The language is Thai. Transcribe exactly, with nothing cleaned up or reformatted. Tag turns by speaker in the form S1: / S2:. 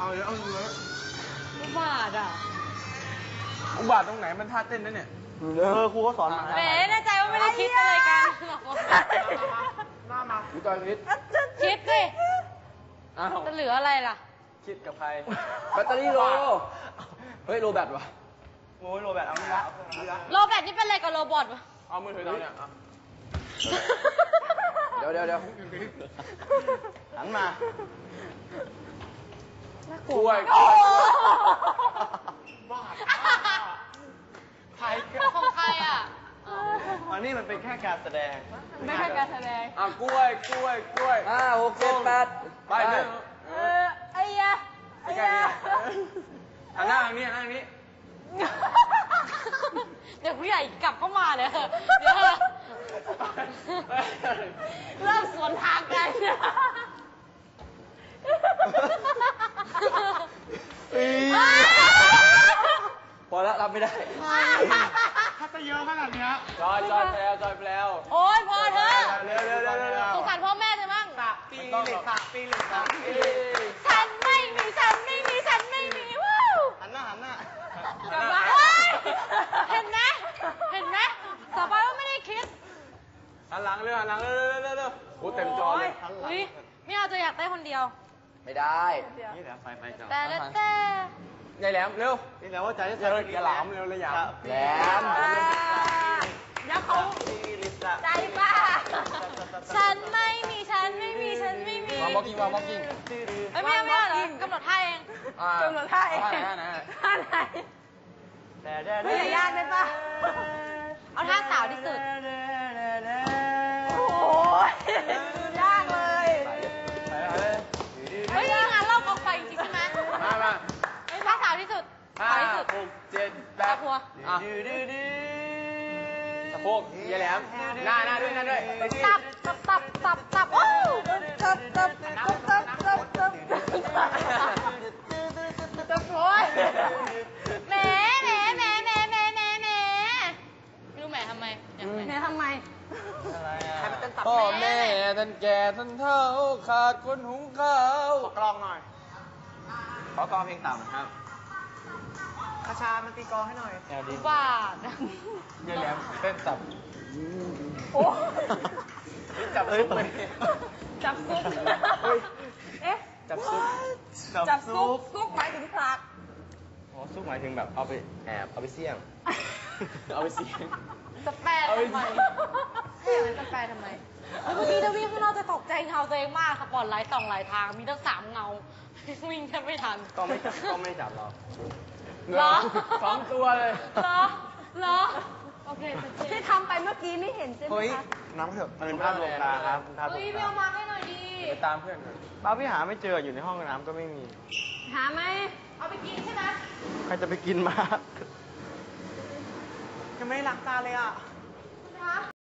S1: เอาเลยเอาเลย
S2: อุบาทอ่ะ
S1: อุบาทตรงไหนมันท่าเต้นนั่นเนี่ย
S3: เออครูก็สอนมา
S2: แหมแน่ใจว่าไม่ได้คิดอะไรกันหรอก
S1: หน้ามาวิจารณ์วิทย์
S2: คิดสิ
S1: อ้าว
S2: จะเหลืออะไรล่ะ
S1: คิดกับใครแบตเตอรี่โลเฮ้ยโลแบตวะ
S3: โอ้ยโรแบตเอาละ
S2: โรแบตนี่เป็นอะไรกับโรบอทวะ
S1: เอามือถือเราเนี่ยเดี๋ยวเดี๋ยวเดี๋ยว
S3: หันมา
S1: กล้วย
S2: โอ้โห
S1: ใคร
S2: ของใครอ่ะ
S3: อันนี้มันเป็นแค่การแสดง
S2: ไม่ใช่การแสดง
S1: อ่ะกล้วยกล้วยกล้วยห้าหกเจ็ดแปดไปเลย
S2: เออไอ้ยะไอ้
S1: ไม่ใช่
S2: ยะ
S1: อันหน้าทางนี้อันหน้าทางนี้
S2: เดี๋ยวผู้ใหญ่กลับเข้ามาเลยเถอะเดี๋ยวเถอะเริ่มสวนทางกัน
S1: พอแล้วรับไม่ได้
S3: ถ้าจะเยอะขนาดเนี้ย
S1: จอยจอยแพลวจอยแพลว
S2: โอ๊ยพอเถอะ
S1: เร็วเร็วเร็วเร็วเร็ว
S2: สงสารพ่อแม่เธอมั่ง
S3: ปีเหล็กสามปีเหล็กสามปี
S2: ฉันไม่มีฉันไม่มีฉันไม่มีวู้
S3: หันหน้าหันหน้า
S2: เฮ้ยเห็นไหมเห็นไหมต่อไปว่าไม่ได้คิด
S1: หันหลังเร็วหันหลังเร็วเร็วเร็วเร็วโอ้เต็มจอเลย
S2: อุ้ยไม่เอาจะอยากได้คนเดียว
S1: ไม่ได้
S3: นี่แหละไฟไฟจอ
S2: แต่ละแต่
S1: ยายแหลมเร็ว
S3: นี่แหละว่าใจจะ
S1: อย่าเลยอย่าหลามเร็วเลยอย่าแหลม
S2: แล้วเขาใจป้าฉันไม่มีฉันไม่มีฉันไม่มี
S1: วางบล็อกกิ้งวางบล็อกกิ้ง
S2: เอ้ยไม่เอาไม่เอาเหรอกำหนดท่าเอง
S1: กำหนดท่าเองท่าไหน
S2: ท่าไหน
S3: แต่แต่
S2: ไม่ยากได้ปะเอาท่าสาวที่สุดโอ้ยยากเลยเฮ้ยงานเล่ากองไฟจริงใช่ไหม
S1: มามา
S2: เฮ้ยท่าสาวที่สุด
S1: ห้า
S2: สาวที่สุด
S1: หกเจ็ดแป
S2: ตา
S1: ด
S2: พัว
S1: อ่ะสะโพกยายแหลมหน้าหน้าด้วยหน้าด้วย
S2: ตับตับตับตับตับโอ้ตับตับตับตับตับตับตับโอ้ยแหมแหมแหมแหมแหมแหมแหมไม่รู้แหมทำไมแหมทำไม
S3: อะไรอ่ะ
S1: พ่อแม่ท่านแก่ท่านเฒ่าขาดคนหุงข้าว
S3: ขอกลองหน่อย ขอกลองเพลงต่ำครับคาชามันตีกลองให้หน่อยแนวดี
S2: บาท
S1: ยายแหลมเต้นตับ
S2: โอ้
S1: จับซุปเลย
S2: จับซุปเอ๊ะ
S1: จับซุป
S2: จับซุปซุปหมายถึงพลัก
S3: อ๋อซุปหมายถึงแบบเอาไปแอบเอาไปเสี่ยง
S1: เอาไปเสียง
S2: จะแปลทำไมเอ๊ะมันจะแปลทำไมเมื่อกี้ถ้าวิ่งข้างนอกจะตกใจเงาตัวเองมากสปอตไลท์ส่องหลายทาง มีตั้งสามเงา วิ่งแทบไม่ทัน
S3: ก็ไม่จับก็ไม่จับเรา
S2: เหรอ
S1: สองตัวเลย
S2: เหรอเหรอโอเคที่ทำไปเมื่อกี้ไม่เห็นใช่ไหม
S3: เฮ้ย
S2: คะ
S3: น้ำเถอะมันเป็นภาพลวงตาครับเป็นภาพลว
S2: เฮ้ย
S3: ง
S2: ไป
S3: ตา
S2: เอามาให้หน่อยดี
S1: ไปตามเพื่อนก่อน
S3: บ้าพี่หาไม่เจออยู่ในห้องน้ำก็ไม่มี
S2: หาไหมเอาไปกินใช่ไหม
S3: ใครจะไปกินมายังไม่ได้ล้างจานเลยอ่ะ
S2: คะ